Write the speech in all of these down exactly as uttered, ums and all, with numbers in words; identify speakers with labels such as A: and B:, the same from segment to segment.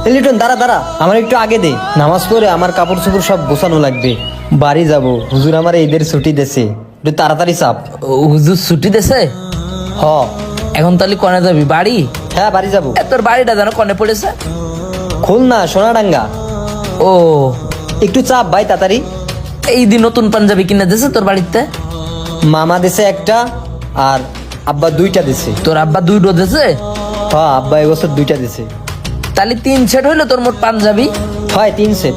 A: লিটন দাঁড়া দাঁড়া, আমার একটু আগে দে। নামাজ পড়ে আমার কাপড় চোপড় সব গোছানো লাগবে, বাড়ি যাব। হুজুর আমার ঈদের ছুটি দেছে, একটু তাড়াতাড়ি চাপ।
B: ও, হুজুর ছুটি দেছে?
A: হ।
B: এখন তাহলে কনে যাবি? বাড়ি?
A: হ্যাঁ বাড়ি যাব।
B: এ, তোর বাড়িটা যেন কনে পড়েছে?
A: খুলনা সোনাডাঙ্গা।
B: ও,
A: একটু চাপ ভাই তাড়াতাড়ি।
B: এই দিন নতুন পাঞ্জাবি কিনে দিয়েছে তোর বাড়িতে?
A: মামা দেশে একটা আর আব্বা দুইটা দেশে।
B: তোর আব্বা দুই ডো দিয়েছে?
A: হ্যাঁ আব্বা এবছর দুইটা দেশে।
B: তাহলে তিন সেট হইলো তোর মোট পাঞ্জাবি।
A: হয় তিন সেট।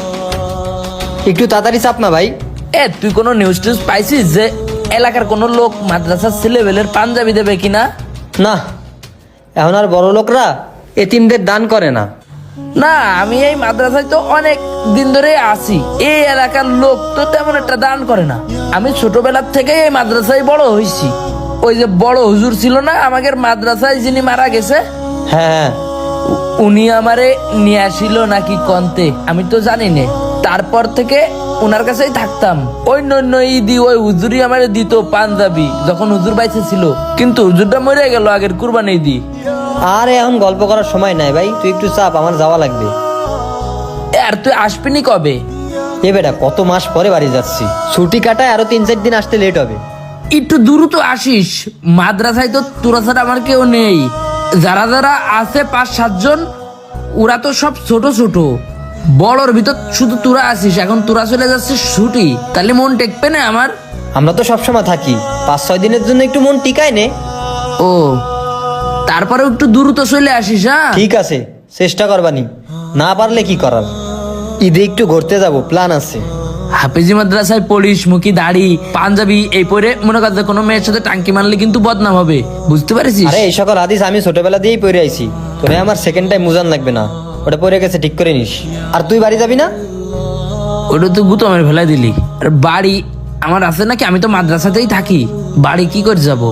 A: একটু তাড়াতাড়ি চাপ না ভাই।
B: এ তুই কোনো নিউজ টিউজ পাইছিস যে এলাকার কোনো লোক মাদ্রাসার ছেলেবেলের পাঞ্জাবি দেবে কিনা?
A: না, এখন আর বড় লোকরা এতিমদের দান করে না।
B: না, আমি এই মাদ্রাসায় তো অনেক দিন ধরে আছি, এই এলাকার লোক তো তেমন একটা দান করে না। আমি ছোটবেলার থেকে এই মাদ্রাসায় বড় হয়েছি। ওই যে বড় হুজুর ছিল না আমাদের মাদ্রাসায়, যিনি মারা গেছে,
A: হ্যাঁ
B: উ- উনি আমারে নিয়ে আসিল নাকি কন্তে, আমি তো জানি না। তারপর থেকে ওনার কাছেই থাকতাম। ওই নন্য ঈদি ওই হুজুরই আমারে দিত পাঞ্জাবি যখন হুজুর বাইসে ছিল, কিন্তু হুজুরটা মরে গেল আগের কুরবানি ঈদি।
A: আর এখন গল্প করার সময় নাই ভাই, তুই একটু চাপ, আমার যাওয়া লাগবে।
B: এ, আর তুই আসবিনি কবে?
A: এ বেটা কত মাস পরে বাড়ি যাচ্ছি, ছুটি কাটায় আরো তিন চার দিন আসতে লেট হবে।
B: একটু দ্রুত আসিস, মাদ্রাসায় তো তোরা ছাড়া আমার কেউ নেই। যারা যারা আছে পাঁচ সাতজন, ওরা তো সব ছোট ছোট। বড়র ভিতর শুধু তোরা আসিস, এখন তোরা চলে যাচ্ছিস ছুটি, তাহলে মন টেকবে না আমার?
A: আমরা তো সবসময় থাকি, পাঁচ ছয় দিনের জন্য একটু মন টিকায় নে।
B: ও, তারপরে একটু দ্রুত চলে আসিস। হ্যাঁ
A: ঠিক আছে, চেষ্টা করবানি, না পারলে কি করার। ঈদে একটু ঘুরতে যাব, প্ল্যান আছে।
B: হাফেজি মাদ্রাসায় পড়িস, মুখি দাড়ি পাঞ্জাবি এই পরে মনে কর যে কোনো মেয়ের সাথে টাঙ্কি মারলে কিন্তু বদনাম হবে, বুঝতে পারিস?
A: আরে এই সকল হাদিস আমি ছোটবেলা দিয়েই পড়ে আইছি, তোরে আমার সেকেন্ড টাইম মুজান লাগবে না, ওটা পড়ে গেছে ঠিক করে নিস। আর তুই বাড়ি যাবি না?
B: ওটা তো গুতমের ভেলা দিলি। আর বাড়ি আমার আছে নাকি? আমি তো মাদ্রাসাতেই থাকি, বাড়ি কি করে যাব?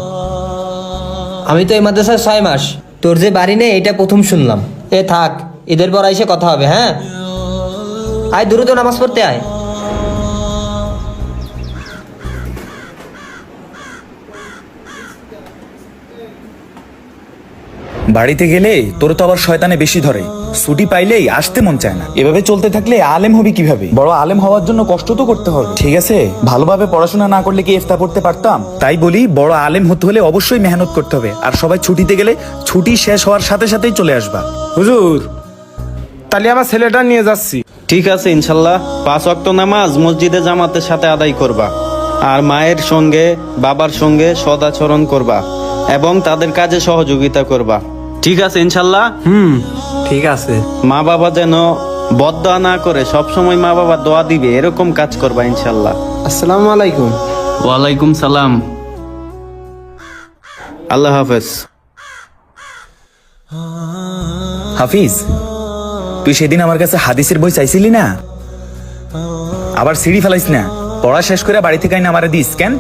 A: আমি তো এই মাদ্রাসায় ছয় মাস, তোর যে বাড়ি নেই এটা প্রথম শুনলাম। এ থাক, ঈদের পর এসে কথা হবে। হ্যাঁ আয়, দ্রুত নামাজ পড়তে আয়।
C: বাড়িতে গেলে তোর তো আবার শয়তানে বেশি ধরে, ছুটি পাইলেই আসতে মন চায় না। এভাবে চলতে থাকলে আলেম হবি কিভাবে? বড় আলেম হওয়ার জন্য কষ্ট তো করতে হবে, ঠিক আছে? ভালোভাবে পড়াশোনা না করলে কি ইফতা পড়তে পারতাম? তাই বলি, বড় আলেম হতে হলে অবশ্যই মেহনত করতে হবে। আর সবাই ছুটিতে গেলে ছুটি শেষ হওয়ার সাথে সাথেই চলে আসবা।
D: হুজুর, তাহলে আমার ছেলেটা নিয়ে যাচ্ছি।
E: ঠিক আছে ইনশাল্লাহ, পাঁচ ওয়াক্ত নামাজ মসজিদে জামাতের সাথে আদায় করবা, আর মায়ের সঙ্গে বাবার সঙ্গে সদাচরণ করবা এবং তাদের কাজে সহযোগিতা করবা। ঠিক আছে ইনশাল্লাহ।
D: হুম, ঠিক আছে।
E: মা বাবা যেন বদদোয়া না করে, সব সময় মা বাবা দোয়া দিবে এরকম কাজ করবা ইনশাল্লাহ।
D: আসসালামু আলাইকুম।
E: ওয়ালাইকুম সালাম। আল্লাহ হাফেজ।
C: হাফিজ, তুই সেদিন আমার কাছে হাদিসের বই চাইছিলি না? আবার সিঁড়ি ফেলাইস না, পড়া শেষ করে বাড়ি থেকে আইনা আমারে দিস কেন?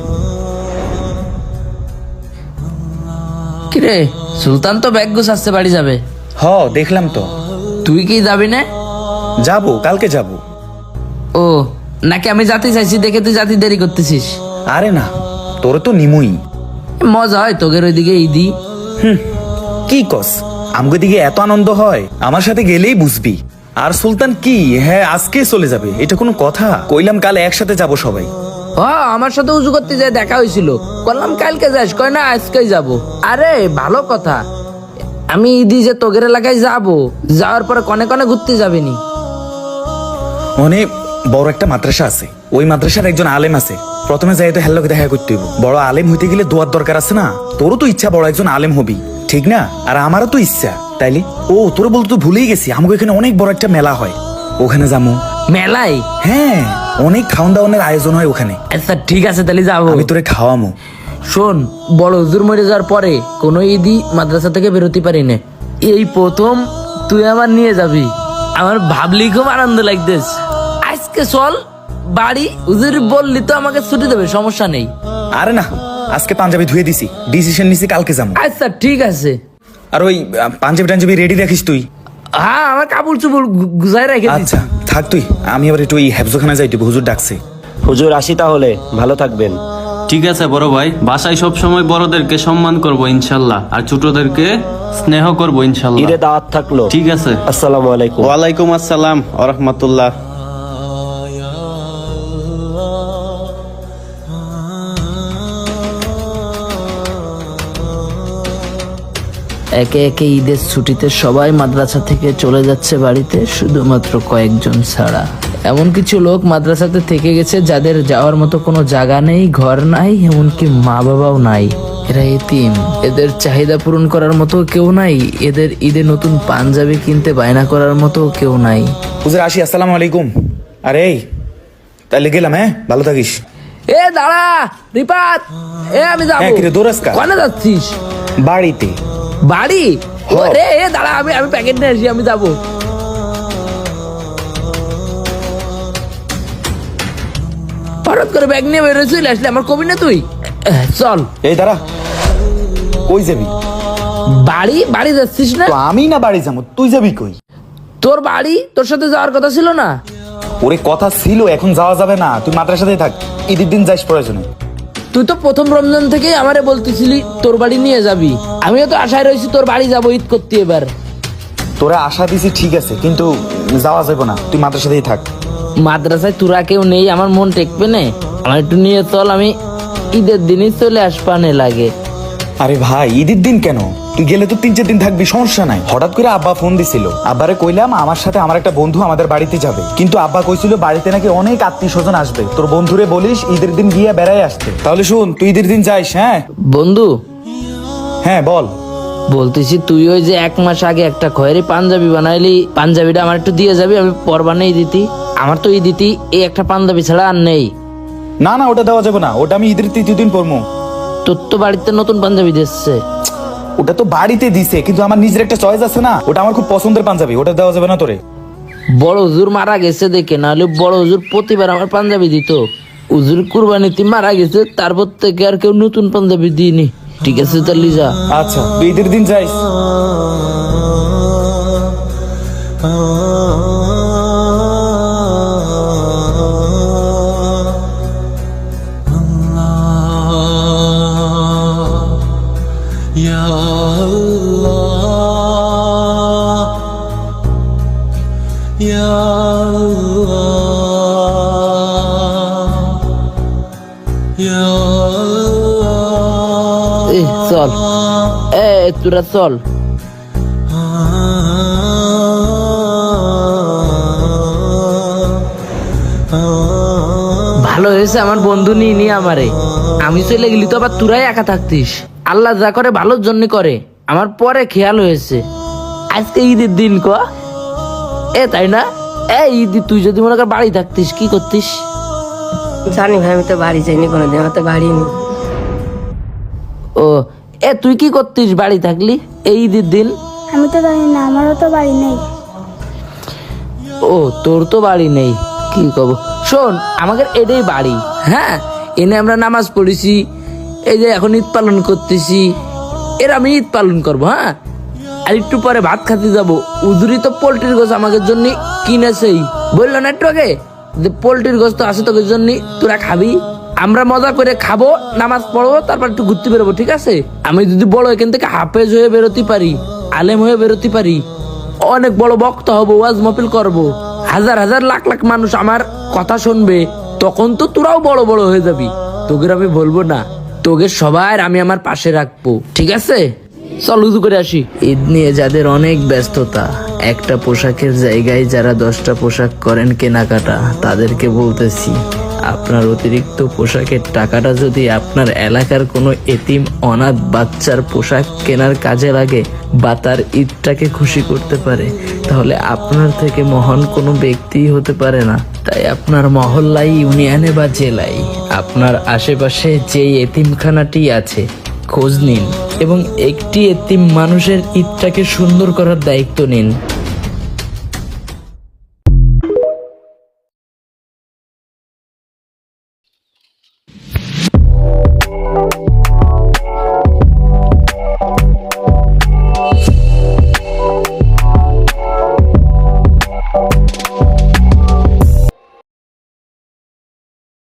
B: কিরে, সুলতান তো ব্যাগ গুছাচ্ছে বাড়ি যাবে।
C: হ, দেখলাম তো।
B: তুই কি যাবি না?
C: যাবো, কালকে যাবো।
B: ও, নাকি আমি জাতি চাইছি দেখে তুই জাতি দেরি করতেছিস?
C: আরে না, তোর তো নিমুই।
B: মজা হয় তোদের ওইদিকে ঈদি।
C: কি কস, আমগো দিকে এত আনন্দ হয়, আমার সাথে গেলেই বুঝবি। আর সুলতান কি, হ্যাঁ আজকে চলে যাবে, এটা কোনো কথা? কইলাম কাল একসাথে যাব সবাই।
B: হ, আমার সাথে উজু করতে যায় দেখা হয়েছিল, বললাম কালকে যাস, কয় না আজকেই যাব। আরে ভালো কথা, আমি ঈদি যে তোগের এলাকায় যাব, যাওয়ার পরে কনে কনে ঘুরতে যাবেনি।
C: মানে বড় একটা মাদ্রাসা আছে, ওই মাদ্রাসার একজন আলেম আছে। প্রথমে যাই তো হেল্লোকে দেখা করতে হইব। বড় আলেম হইতে গেলে দোয়ার দরকার আছে না? তোরও তো ইচ্ছা বড় একজন আলেম হবি, ঠিক না? আর আমারও তো ইচ্ছা, তাইলে ও তোর বলতে তো ভুলেই গেছি, আমাকে এখানে অনেক বড় একটা মেলা হয়, ওখানে যাবো।
B: মেলায়?
C: হ্যাঁ, অনেক খাওয়ান দাওয়ানের আয়োজন হয় ওখানে।
B: আচ্ছা ঠিক আছে, তাহলে যাবো।
C: আমি তোরে খাওয়ামো।
B: শোন, বড় হুজুর মরে যাওয়ার পরে কোনো ঈদই মাদ্রাসা থেকে বেরোতে পারি না, এই প্রথম তুই আমার নিয়ে যাবি। আমার ভাবলি খুব আনন্দ লাগতেছ। আজকে চল বাড়ি, হুজুর বললি তো আমাকে ছুটি দেবে, সমস্যা নেই।
C: আরে না, আজকে পাঞ্জাবি ধুয়ে দিছি, ডিসিশন নিছি কালকে যাবো।
B: আচ্ছা ঠিক আছে।
C: আর ওই আহ, পাঞ্জাবি টাঞ্জাবি রেডি রাখিস তুই।
B: হ্যাঁ, আমার কাপড় চুপড় গু- গুছাই রেখে দিচ্ছি।
C: আচ্ছা থাক তুই, আমি আবার একটু ওই হেফজোখানা যাই, হুজুর ডাকছে।
F: হুজুর আসি তাহলে, ভালো থাকবেন।
E: ঠিক আছে বড় ভাই, বাসায় সব সময় বড়দেরকে সম্মান করব ইনশাল্লাহ, আর ছোটদেরকে স্নেহ করব ইনশাল্লাহ।
F: ঈদে দাওয়াত থাকলো।
E: ঠিক আছে।
F: আসসালামু আলাইকুম।
E: ওয়ালাইকুম আসসালাম ওয়া রাহমাতুল্লাহ।
B: একে একে ঈদের ছুটিতে সবাই মাদ্রাসা থেকে চলে যাচ্ছে বাড়িতে, শুধুমাত্র কয়েকজন ছাড়া। এমন কিছু লোক মাদ্রাসাতে থেকে গেছে যাদের যাওয়ার মতো কোনো জায়গা নেই, ঘর নাই, এমনকি মা বাবাও নাই। এরা এতিম, এদের চাহিদা পূরণ করার মতো কেউ নাই, এদের ঈদে নতুন পাঞ্জাবি কিনতে বায়না করার মতো কেউ নাই।
C: হুজুর আসি, আসসালামু আলাইকুম। আরে এই তাহলে গেলাম, হ্যাঁ ভালো থাকিস।
B: এ দাঁড়া রিপাত, এ আমি যাবো।
C: হ্যাঁ, কিরে দৌড়াস কা?
B: কোনে যাচ্ছিস?
C: বাড়িতে।
B: বাড়ি? রে এ দাঁড়া, আমি আমি প্যাকেট নিয়ে আসি, আমি যাবো। হঠাৎ করে ব্যাগ নিয়ে বেরোয় চলে আসলে, আমার কবি না তুই? এহ, চল।
C: এই দাঁড়া, কই যাবি?
B: বাড়ি? বাড়ি যাচ্ছিস না?
C: তো আমি না বাড়ি যাবো, তুই যাবি কই?
B: তোর বাড়ি, তোর সাথে যাওয়ার কথা ছিল না?
C: ওরে কথা ছিল, এখন যাওয়া যাবে না, তুই মাদ্রাসাতেই থাক, ঈদের দিন যাইস প্রয়োজনে।
B: তুই তো প্রথম রমজান থেকেই আমারে বলতেছিলি তোর বাড়ি নিয়ে যাবি, আমিও তো আশায় রয়েছি তোর বাড়ি যাবো ঈদ করতে। এবার
C: তোরা আশা দিছি ঠিক আছে, কিন্তু যাওয়া যাবে না, তুই মাদ্রাসাতেই থাক।
B: মাদ্রাসায় তোরা কেউ নেই, আমার মন টেকবে না, আমার একটু নিয়ে চল, আমি ঈদের দিনই চলে আসপানে লাগে।
C: আরে ভাই, ঈদের দিন কেন? তুই গেলে তো তিন চার দিন থাকবি, সমস্যা নাই। হঠাৎ করে আব্বা ফোন দিছিল, আব্বারে কইলাম আমার সাথে আমার একটা বন্ধু আমাদের বাড়িতে যাবে, কিন্তু আব্বা কইছিল বাড়িতে নাকি অনেক আত্মীয় স্বজন আসবে, তোর বন্ধুরে বলিস ঈদের দিন গিয়ে বেড়াই আসতে। তাহলে শুন, তুই ঈদের দিন যাইস। হ্যাঁ
B: বন্ধু,
C: হ্যাঁ বল।
B: বলতেছি তুই ওই যে এক মাস আগে একটা খয়েরি পাঞ্জাবি বানাইলি, পাঞ্জাবিটা আমার একটু দিয়ে যাবি, আমি পর বানাই দিতি। আমার তো এই দিতি এই একটা পাঞ্জাবি ছাড়া আর নেই।
C: না না, ওটা দেওয়া যাবে না, ওটা আমি ঈদের তৃতীয় দিন পরবো।
B: তোর তো বাড়িতে নতুন পাঞ্জাবি দিচ্ছে।
C: ওটা তো বাড়িতে দিছে, কিন্তু আমার নিজের একটা চয়েস আছে না, ওটা আমার খুব পছন্দের পাঞ্জাবি, ওটা দেওয়া যাবে না তোরে।
B: বড় হুজুর মারা গেছে দেখে, নাহলে বড় হুজুর প্রতিবার আমার পাঞ্জাবি দিত। হুজুর কুরবানিতে মারা গেছে, তারপর থেকে আর কেউ নতুন পাঞ্জাবি দিইনি। ঠিক আছে তাহলে যা।
C: আচ্ছা, তুই ঈদের দিন যাইস।
B: এ, চল এ তোরা চল। ভালো হয়েছে আমার বন্ধু নিয়ে নিয়ে আমারে, আমি চলে গেলি তো আবার তোরাই একা থাকতিস। আল্লাহ যা করে ভালোর জন্য করে, আমার পরে খেয়াল হয়েছে আজকে ঈদের দিন ক এ, তাই না? এ ঈদ তুই যদি মনে কর বাড়ি থাকতিস কি করতিস?
G: জানি ভাই, আমি তো বাড়ি যাইনি কোনোদিন, আমার তো বাড়ি নেই।
B: ও এ, তুই কি করতিস বাড়ি থাকলি এই ঈদের দিন?
H: আমি তো জানি না, আমারও তো বাড়ি নেই।
B: ও তোর তো বাড়ি নেই, কি কব। শোন, আমাদের এটাই বাড়ি, হ্যাঁ, এনে আমরা নামাজ পড়েছি, এই যে এখন ঈদ পালন করতেছি, এর আমি ঈদ পালন করবো। হ্যাঁ, আর একটু পরে ভাত খাতে যাবো। উজুরি তো পোল্ট্রির গোছ আমাদের জন্য কিনেছেই, বললো না একটু আগে যে পোল্ট্রির গোছ তো আছে তোদের জন্য, তোরা খাবি। আমরা মজা করে খাবো, নামাজ পড়বো, তারপর একটু ঘুরতে বেরোবো, ঠিক আছে? আমি যদি বড় এখান থেকে হাফেজ হয়ে বেরোতে পারি, আলেম হয়ে বেরোতে পারি, অনেক বড় বক্তা হবো, ওয়াজ মাহফিল করবো, হাজার হাজার লাখ লাখ মানুষ আমার কথা শুনবে, তখন তো তোরাও বড় বড় হয়ে যাবি। তোদের আমি বলবো না, তোদের সবার আমি আমার পাশে রাখবো, ঠিক আছে? চল উজু করে আসি। ঈদ নিয়ে যাদের অনেক ব্যস্ততা, একটা পোশাকের জায়গায় যারা দশটা পোশাক করেন কেনাকাটা, তাদেরকে বলতেছি আপনার অতিরিক্ত পোশাকের টাকাটা যদি আপনার এলাকার কোনো এতিম অনাথ বাচ্চার পোশাক কেনার কাজে লাগে বা তার ঈদটাকে খুশি করতে পারে, তাহলে আপনার থেকে মহান কোনো ব্যক্তিই হতে পারে না। তাই আপনার মহল্লায়, ইউনিয়নে বা জেলায় আপনার আশেপাশে যেই এতিমখানাটি আছে খোঁজ নিন এবং একটি এতিম মানুষের ঈদটাকে সুন্দর করার দায়িত্ব নিন।